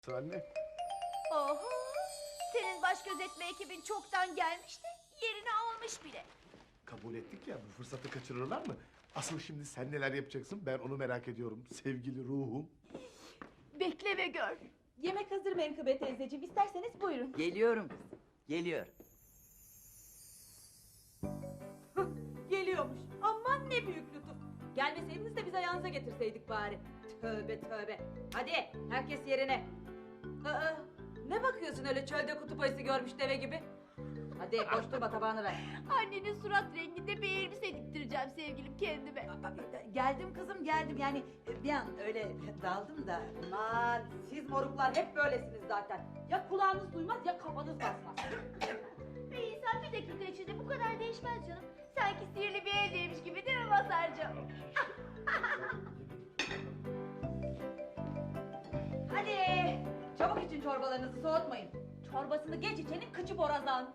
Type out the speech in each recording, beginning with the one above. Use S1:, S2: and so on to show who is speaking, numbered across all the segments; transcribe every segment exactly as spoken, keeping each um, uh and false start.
S1: Anne.
S2: Oho! Senin baş gözetme ekibin çoktan gelmiş de yerini almış bile.
S1: Kabul ettik ya, bu fırsatı kaçırırlar mı? Asıl şimdi sen neler yapacaksın, ben onu merak ediyorum sevgili ruhum.
S2: Bekle ve gör.
S3: Yemek hazır Menkıbe teyzeciğim. İsterseniz buyurun.
S4: Geliyorum kızım, geliyor.
S3: Geliyormuş. Aman ne büyük lütuf. Gelmeseydiniz de biz ayağınıza getirseydik bari. Tövbe tövbe. Hadi herkes yerine. Aa, ne bakıyorsun öyle çölde kutup ayısı görmüş deve gibi? Hadi boş durma, tabağını ver.
S2: Annenin surat renginde bir elbise diktireceğim sevgilim kendime.
S4: Geldim kızım, geldim. Yani bir an öyle daldım da.
S3: Aman siz moruklar hep böylesiniz zaten. Ya kulağınız duymaz ya kafanız basmaz.
S2: Bir insan bir dakika içinde bu kadar değişmez canım. Sanki sihirli bir eldeymiş gibi değil mi Mazhar'cığım?
S3: Hadi çabuk için çorbalarınızı soğutmayın. Çorbasını geç içenin kıçı borazan.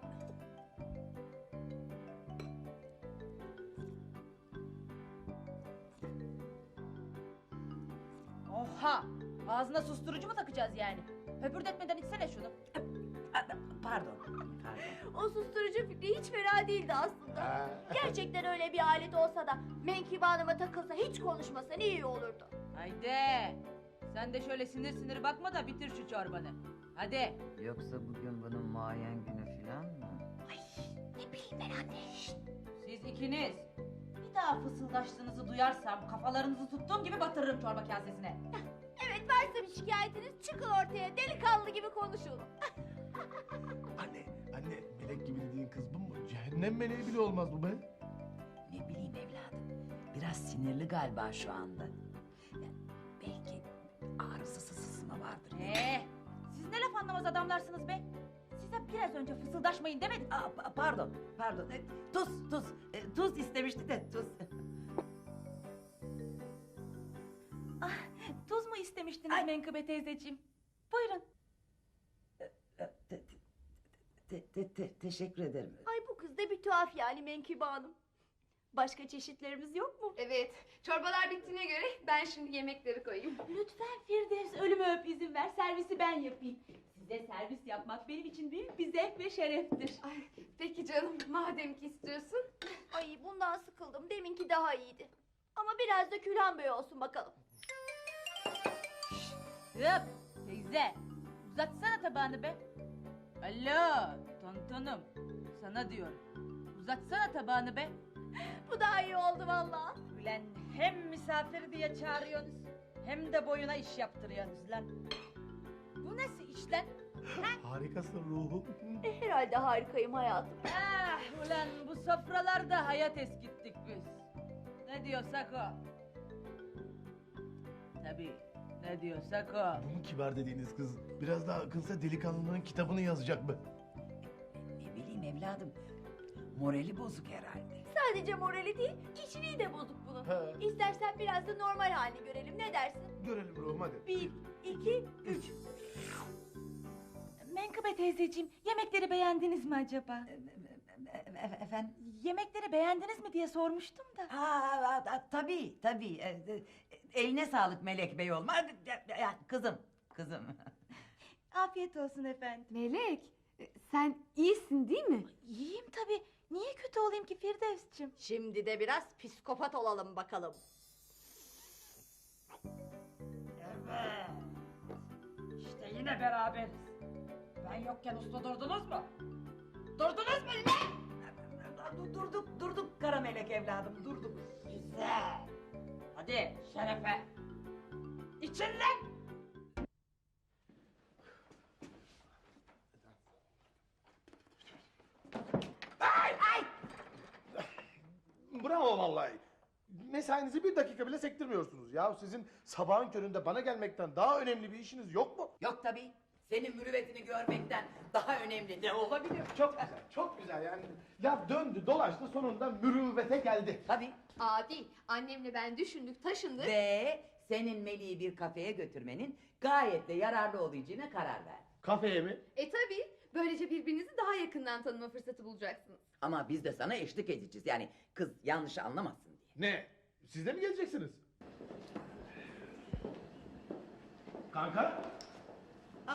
S3: Oha! Ağzına susturucu mu takacağız yani? Höpürdetmeden içsene şunu.
S4: Pardon, pardon.
S2: O susturucu fikri hiç fena değildi aslında.
S1: Ha.
S2: Gerçekten öyle bir alet olsa da Menkıbe Hanım'a takılsa hiç konuşmasa ne iyi olurdu.
S3: Haydi. Sen de şöyle sinir sinir bakma da bitir şu çorbanı. Hadi.
S4: Yoksa bugün bunun muayen günü falan mı?
S2: Ne bileyim ben anne.
S3: Siz ikiniz bir daha fısıldaştığınızı duyarsam kafalarınızı tuttuğum gibi batırırım çorba kasesine.
S2: Evet varsa bir şikayetiniz çıkın ortaya delikanlı gibi konuşun.
S1: Anne, anne, melek gibi dediğin kız bu mu? Cehennem meleği bile olmaz bu be.
S4: Ne bileyim evladım. Biraz sinirli galiba şu anda. Ya, belki ağrısı sızısı mı vardır?
S3: Ee, siz ne laf anlamaz adamlarsınız be. Size biraz önce fısıldaşmayın demedim.
S4: Aa, pa- pardon, pardon. E, Tuz, tuz. E, Tuz istemişti de tuz.
S3: Ah, tuz mu istemiştiniz
S4: Ay.
S3: Menkıbe teyzeciğim? Buyurun.
S4: E, te- te- te- te- Teşekkür ederim.
S2: Ay bu kız da bir tuhaf yani Menkıbe Hanım. Başka çeşitlerimiz yok mu?
S5: Evet, çorbalar bittiğine göre ben şimdi yemekleri koyayım.
S3: Lütfen Firdevs ölümü öp izin ver, servisi ben yapayım. Size servis yapmak benim için büyük bir zevk ve şereftir.
S5: Ay, peki canım, madem ki istiyorsun.
S2: Ay bundan sıkıldım. Deminki daha iyiydi. Ama biraz da Külhan Bey olsun bakalım.
S3: Hıp teyze, uzatsana tabağını be. Alo tontonum, sana diyorum. Uzatsana tabağını be.
S2: Bu daha iyi oldu vallahi.
S3: Ulan hem misafir diye çağırıyorsunuz, hem de boyuna iş yaptırıyorsunuz lan. Bu nasıl iş lan?
S1: Harikasın ruhum.
S2: E, herhalde harikayım hayatım.
S3: Ah ulan bu sofralarda hayat eskittik biz. Ne diyorsak o. Tabii ne diyorsak o.
S1: Bu mu kibar dediğiniz kız? Biraz daha akılsa delikanlının kitabını yazacak mı?
S4: Ne bileyim evladım. Morali bozuk herhalde.
S2: Sadece morali değil, kişiliği de bozuk bunun.
S1: Ha.
S2: İstersen biraz da normal halini görelim. Ne dersin?
S1: Görelim ruhum hadi.
S2: Bir, iki, üç.
S3: Menkıbe teyzeciğim, yemekleri beğendiniz mi acaba?
S4: E- e- Efendim?
S3: Yemekleri beğendiniz mi diye sormuştum da.
S4: Ha, ha, tabii tabii. E, e, Eline sağlık Melek Bey olma. Ya, ya, Kızım, kızım.
S3: Afiyet olsun efendim.
S5: Melek, e, sen iyisin değil mi?
S3: İyiyim tabii. Niye kötü olayım ki Firdevs'cim?
S2: Şimdi de biraz psikopat olalım bakalım.
S3: Evet. İşte yine beraberiz. Ben yokken usta durdunuz mu? Durdunuz mu yine?
S4: Du- Durduk, durduk kara melek evladım, durduk.
S3: Güzel. Hadi şerefe. İçin lan.
S1: Bravo vallahi. Mesainizi bir dakika bile sektirmiyorsunuz. Ya sizin sabahın köründe bana gelmekten daha önemli bir işiniz yok mu?
S4: Yok tabii. Senin mürüvvetini görmekten daha önemli ne olabilir?
S1: Çok güzel, çok güzel yani. Laf döndü, dolaştı, sonunda mürüvvete geldi.
S4: Tabii.
S5: Adi, annemle ben düşündük, taşındık.
S4: Ve senin Melih'i bir kafeye götürmenin gayet de yararlı olacağına karar ver.
S1: Kafeye mi?
S5: E tabii, böylece birbirinizi daha yakından tanıma fırsatı bulacaksınız.
S4: Ama biz de sana eşlik edeceğiz. Yani kız yanlış anlamasın diye.
S1: Ne? Siz de mi geleceksiniz? Kanka?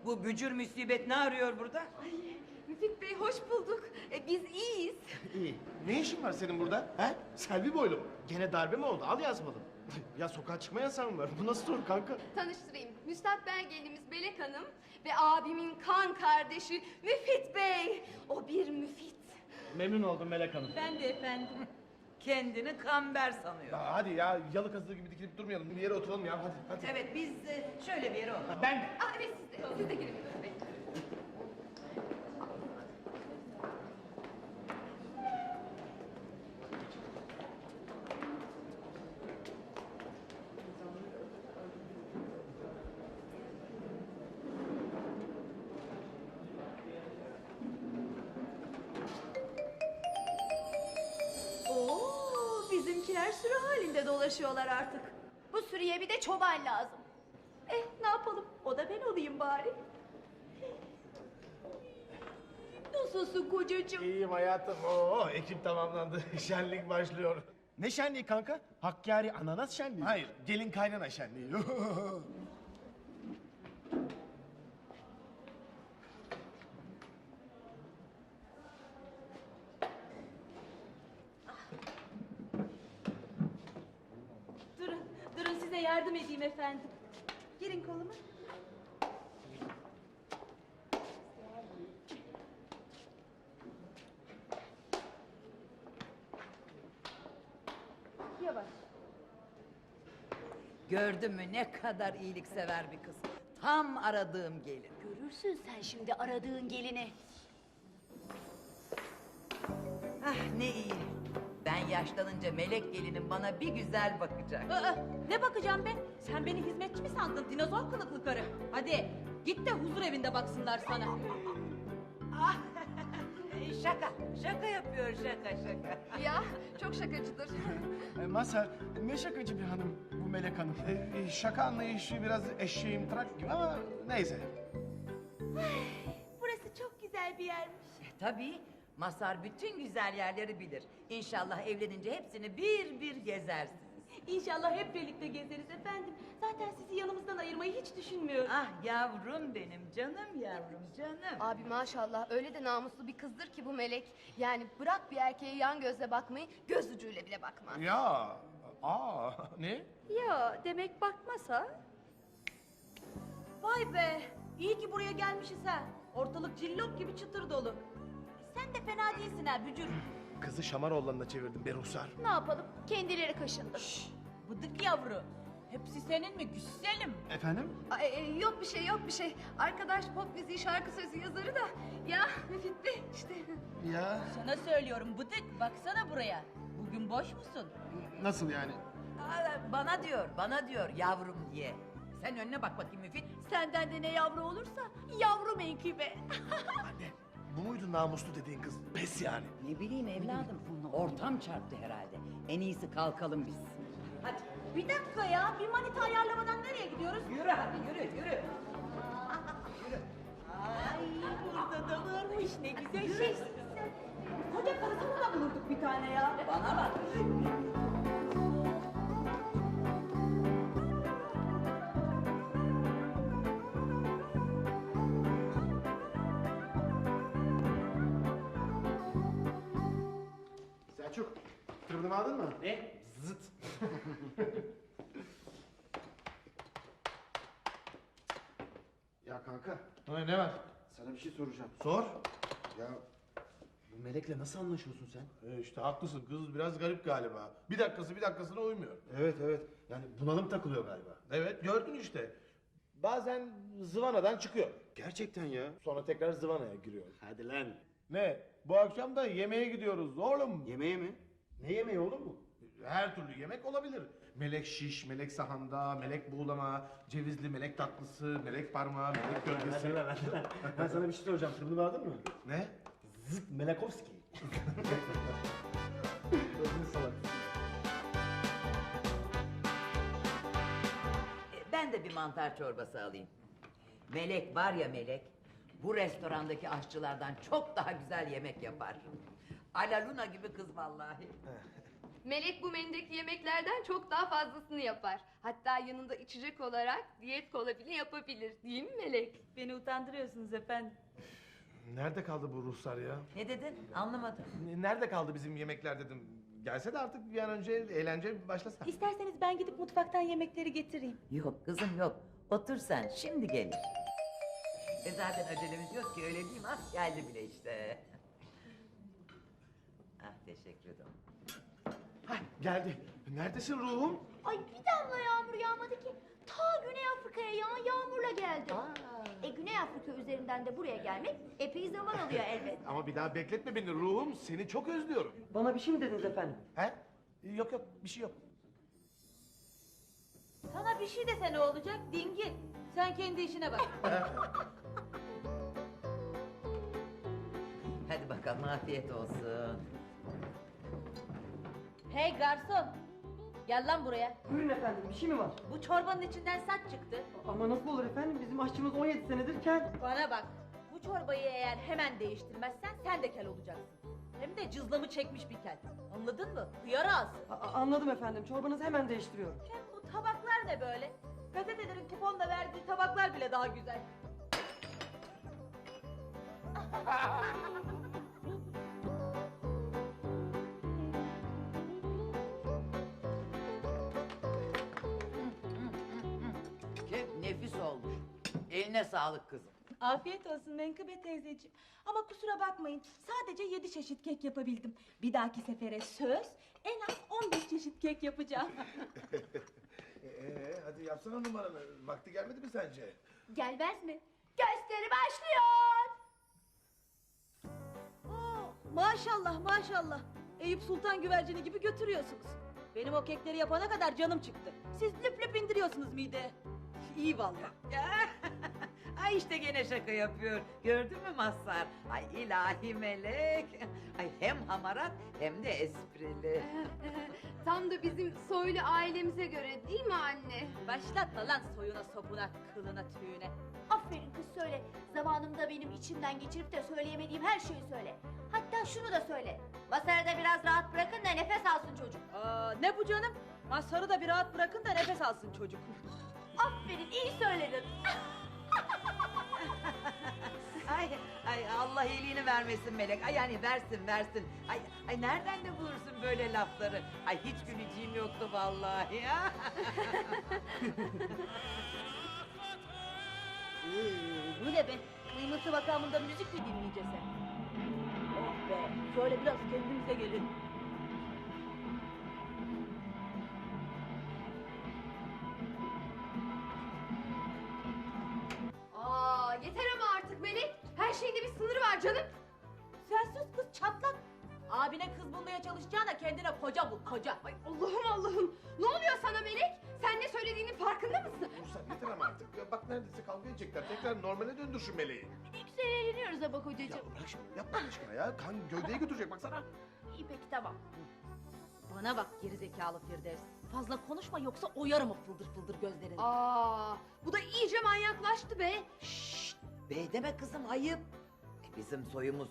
S6: Bu bücür musibet ne arıyor burada?
S5: Ay, Müfit Bey hoş bulduk. E, biz iyiyiz.
S1: İyi. Ne işin var senin burada? He? Selvi boylu mu? Gene darbe mi oldu? Al yazmadım. Ya sokağa çıkma yasağı mı var? Bu nasıl soru kanka?
S5: Tanıştırayım. Müstakbel gelinimiz Melek Hanım ve abimin kan kardeşi Müfit Bey. O bir müfit.
S1: Memnun oldum Melek Hanım.
S3: Ben de efendim.
S6: Kendini kamber sanıyor.
S1: Ya hadi ya yalı kazığı gibi dikilip durmayalım. Bir yere oturalım ya hadi hadi.
S6: Evet biz e, şöyle bir yere oturalım.
S1: Ben
S5: Aa, evet siz de. Siz de gelin Müfit Bey.
S2: Oo, bizimkiler sürü halinde dolaşıyorlar artık. Bu sürüye bir de çoban lazım. Eh ne yapalım? O da ben olayım bari. Nasılsın kocacığım?
S1: İyiyim hayatım. Oo, ekip tamamlandı. Şenlik başlıyor. Ne şenliği kanka? Hakkari ananas şenliği. Hayır, gelin kaynana şenliği.
S3: Durun, durun size yardım edeyim efendim. Girin koluma. Yavaş.
S4: Gördün mü ne kadar iyiliksever bir kız. Tam aradığım gelin.
S2: Görürsün sen şimdi aradığın gelini.
S4: Ah ne iyi. Ben yaşlanınca melek gelinim bana bir güzel bakacak.
S3: Aa, ne bakacağım ben? Sen beni hizmetçi mi sandın dinozor kılıklı karı? Hadi git de huzur evinde baksınlar sana.
S6: Ah, şaka, şaka yapıyor şaka şaka.
S5: Ya çok şakacıdır.
S1: E, Mazhar, ne şakacı bir hanım bu Melek Hanım. E, e, şaka anlayışı biraz eşeğim trak gibi ama neyse.
S2: Burası çok güzel bir yermiş.
S4: E, tabii Masar bütün güzel yerleri bilir. İnşallah evlenince hepsini bir bir gezersiniz.
S3: İnşallah hep birlikte gezeriz efendim. Zaten sizi yanımızdan ayırmayı hiç düşünmüyorum.
S4: Ah yavrum benim canım yavrum canım.
S5: Abi maşallah öyle de namuslu bir kızdır ki bu Melek. Yani bırak bir erkeğe yan gözle bakmayı, göz ucuyla bile bakmaz.
S1: Ya, aa ne?
S2: Ya demek bakmasa?
S3: Vay be! İyi ki buraya gelmişiz ha. Ortalık cillop gibi çıtır dolu. Sen de fena değilsin ha bücür.
S1: Kızı Şamaroğlan'ına çevirdim be Ruhsar.
S2: Ne yapalım? Kendileri kaşındı.
S3: Bıdık yavru. Hepsi senin mi güzelim?
S1: Efendim?
S5: Ay, e, yok bir şey yok bir şey. Arkadaş pop müziği şarkı sözü yazarı da. Ya Müfit Bey işte.
S1: Ya
S3: Sana söylüyorum bıdık baksana buraya. Bugün boş musun?
S1: nasıl yani?
S4: Aa, bana diyor bana diyor yavrum diye. Sen önüne bak bakayım Müfit.
S2: Senden de ne yavru olursa yavru menkıbe.
S1: Anne, bu muydu namuslu dediğin kız? Pes yani.
S4: Ne bileyim evladım ortam çarptı herhalde. En iyisi kalkalım biz.
S3: Hadi. Bir dakika ya bir manita ayarlamadan nereye gidiyoruz?
S6: Yürü hadi yürü yürü.
S3: Ay burada da varmış ne güzel şey. Koca karısını da bulurduk bir tane ya.
S4: Bana bak.
S1: Selçuk, tırmını aldın mı? Ne? Zıt.
S7: Ya kanka,
S1: Ne, ne var?
S7: sana bir şey soracağım.
S1: Sor.
S7: Ya bu Melek'le nasıl anlaşıyorsun sen?
S1: E işte haklısın, kız biraz garip galiba. Bir dakikası bir dakikasına uymuyor.
S7: Evet evet. Yani bunalım takılıyor galiba.
S1: Evet, gördün işte. Bazen zıvanadan çıkıyor.
S7: Gerçekten ya.
S1: Sonra tekrar zıvanaya giriyor.
S7: Hadi lan.
S1: Ne? Bu akşam da yemeğe gidiyoruz oğlum.
S7: Yemeğe mi? Ne yemeği oğlum bu?
S1: Her türlü yemek olabilir. Melek şiş, melek sahanda, melek buğulama, cevizli melek tatlısı, melek parmağı, melek gölgesi.
S7: Ben sana bir şey soracağım. Tırmını aldın mı?
S1: Ne?
S7: Zıt Melekovski.
S4: E, Ben de bir mantar çorbası alayım. Melek var ya Melek, bu restorandaki aşçılardan çok daha güzel yemek yapar. Alaluna gibi kız vallahi.
S5: Melek bu menüdeki yemeklerden çok daha fazlasını yapar. Hatta yanında içecek olarak diyet kola bile yapabilir. Değil mi Melek?
S3: Beni utandırıyorsunuz efendim.
S1: Nerede kaldı bu ruhsar ya?
S6: Ne dedin? Anlamadım.
S1: N- Nerede kaldı bizim yemekler dedim. Gelse de artık bir an önce eğlence başlasa.
S3: İsterseniz ben gidip mutfaktan yemekleri getireyim.
S6: Yok kızım yok. Otur sen, şimdi gelir. E zaten acelemiz yok ki, öyle değil mi? Ah, geldi bile işte. Ah, teşekkür ederim.
S1: Hah, geldi. Neredesin ruhum?
S2: Ay bir damla yağmur yağmadı ki. Ta Güney Afrika'ya yağan yağmurla geldi. E Güney Afrika üzerinden de buraya gelmek epey zaman alıyor elbet.
S1: Ama bir daha bekletme beni ruhum. Seni çok özlüyorum.
S8: Bana bir şey mi dediniz efendim?
S1: He? Yok yok bir şey yok.
S3: Sana bir şey dese ne olacak dingil? Sen kendi işine bak.
S6: Hadi bakalım, afiyet olsun.
S3: Hey garson. Gel lan buraya.
S8: Buyurun efendim, bir şey mi var?
S3: Bu çorbanın içinden saç çıktı.
S8: Ama nasıl olur efendim, bizim aşçımız on yedi senedir kel.
S3: Bana bak. Bu çorbayı eğer hemen değiştirmezsen sen de kel olacaksın. Hem de cızlamı çekmiş bir kel. Anladın mı? Hıyar ağız.
S8: A- a- anladım efendim, çorbanızı hemen değiştiriyorum.
S3: Hem bu tabaklar ne böyle? Gazetelerin kuponla verdiği tabaklar bile daha güzel.
S6: Çok nefis olmuş. Eline sağlık kızım.
S9: Afiyet olsun Menkıbe teyzeciğim. Ama kusura bakmayın, sadece yedi çeşit kek yapabildim. Bir dahaki sefere söz, en az on beş çeşit kek yapacağım.
S1: Ee, hadi yapsana numaranı. Vakti gelmedi mi sence?
S2: Gelmez mi? Gösteri başlıyor.
S3: Oo, maşallah maşallah. Eyüp Sultan güvercini gibi götürüyorsunuz. Benim o kekleri yapana kadar canım çıktı. Siz lüp lüp indiriyorsunuz mideye. İyi vallahi.
S6: Ay işte gene şaka yapıyor. Gördün mü Mazhar? Ay ilahi melek. Ay hem hamarat hem de esprili.
S5: Tam da bizim soylu ailemize göre değil mi anne?
S3: Başlatma lan soyuna sopuna, kılına tüyüne.
S2: Aferin kız söyle. Zamanımda benim içimden geçirip de söyleyemediğim her şeyi söyle. Hatta şunu da söyle. Masarı da biraz rahat bırakın da nefes alsın çocuk.
S3: Aa, ne bu canım? Mazharı da bir rahat bırakın da nefes alsın çocuk.
S2: Aferin iyi söyledin.
S6: Ay, ay Allah iyiliğini vermesin melek. Ay yani versin versin. Ay, ay nereden de bulursun böyle lafları? Ay hiç güleceğim yoktu vallahi ya.
S3: Bu ne be? Kıymeti makamında müzik mi dinleyeceğiz sen? Oh be, şöyle biraz kendimize gelin.
S5: Aa, yeter ama artık Melek. Her şeyde bir sınırı var canım.
S3: Sen sus kız çatlak. Abine kız bulmaya çalışacağına kendine koca bul, koca.
S5: Ay Allah'ım Allah'ım. Ne oluyor sana Melek? Sen ne söylediğinin farkında mısın?
S1: Ruhsar yeter ama artık. Ya bak neredeyse kavga edecekler. Tekrar normale döndür şu meleği.
S2: Ne güzel eğleniyoruz ama
S1: Ya
S2: kocacığım.
S1: bırak şimdi yapma Allah aşkına ya. Kan gövdeye götürecek baksana.
S2: İyi peki tamam.
S3: Bana bak gerizekalı Firdevs. Fazla konuşma yoksa oyarım o fıldır fıldır gözlerini.
S5: Aa, bu da iyice manyaklaştı be.
S6: Şşt, bey deme kızım ayıp. E, bizim soyumuz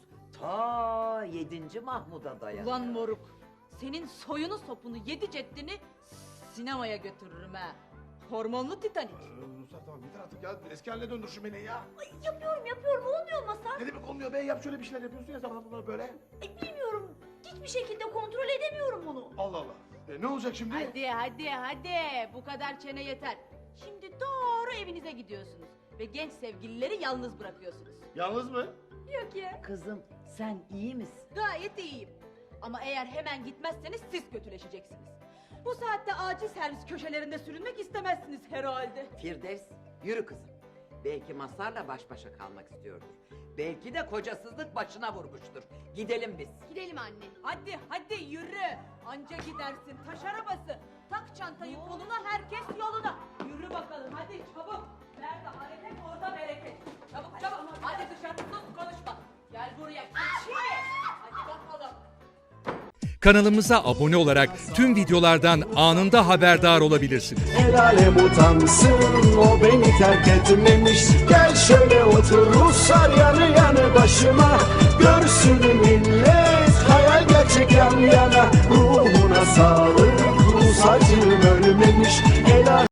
S6: ta yedinci Mahmud'a dayanıyor.
S3: Ulan moruk. Senin soyunu sopunu yedi ceddini sinemaya götürürüm ha. Hormonlu Titanik.
S1: Ee, Ruhsar tamam yeter artık ya. Eski haline döndür şu meleği ya.
S2: Ay, yapıyorum yapıyorum olmuyor Masar.
S1: Ne demek olmuyor be? Yap şöyle bir şeyler yapıyorsun ya zamanında böyle.
S2: Ay, bilmiyorum. Hiçbir şekilde kontrol edemiyorum bunu.
S1: Allah Allah. E, ne olacak şimdi?
S3: Hadi hadi hadi bu kadar çene yeter. Şimdi doğru evinize gidiyorsunuz. Ve genç sevgilileri yalnız bırakıyorsunuz.
S1: Yalnız mı?
S3: Yok ya.
S6: Kızım sen iyi misin?
S3: Gayet iyiyim. Ama eğer hemen gitmezseniz siz kötüleşeceksiniz. Bu saatte acil servis köşelerinde sürünmek istemezsiniz herhalde.
S6: Firdevs yürü kızım. Belki Mazhar'la baş başa kalmak istiyordur. Belki de kocasızlık başına vurmuştur. Gidelim biz.
S5: Gidelim anne.
S3: Hadi hadi yürü. Anca gidersin taş arabası. Tak çantayı koluna herkes yoluna. Yürü bakalım hadi çabuk. Nerede hareket orada bereket. Çabuk çabuk hadi dışarı sus konuşma. Gel buraya keçi. Hadi bakalım.
S10: Kanalımıza abone olarak tüm videolardan anında haberdar olabilirsiniz.
S11: El alem utansın, o beni terk etmemiş. Gel şöyle otur Ruslar yanı yanı başıma. Görsün millet hayal gerçek yan yana. Ruhuna sağlık, Rus acım ölmemiş. El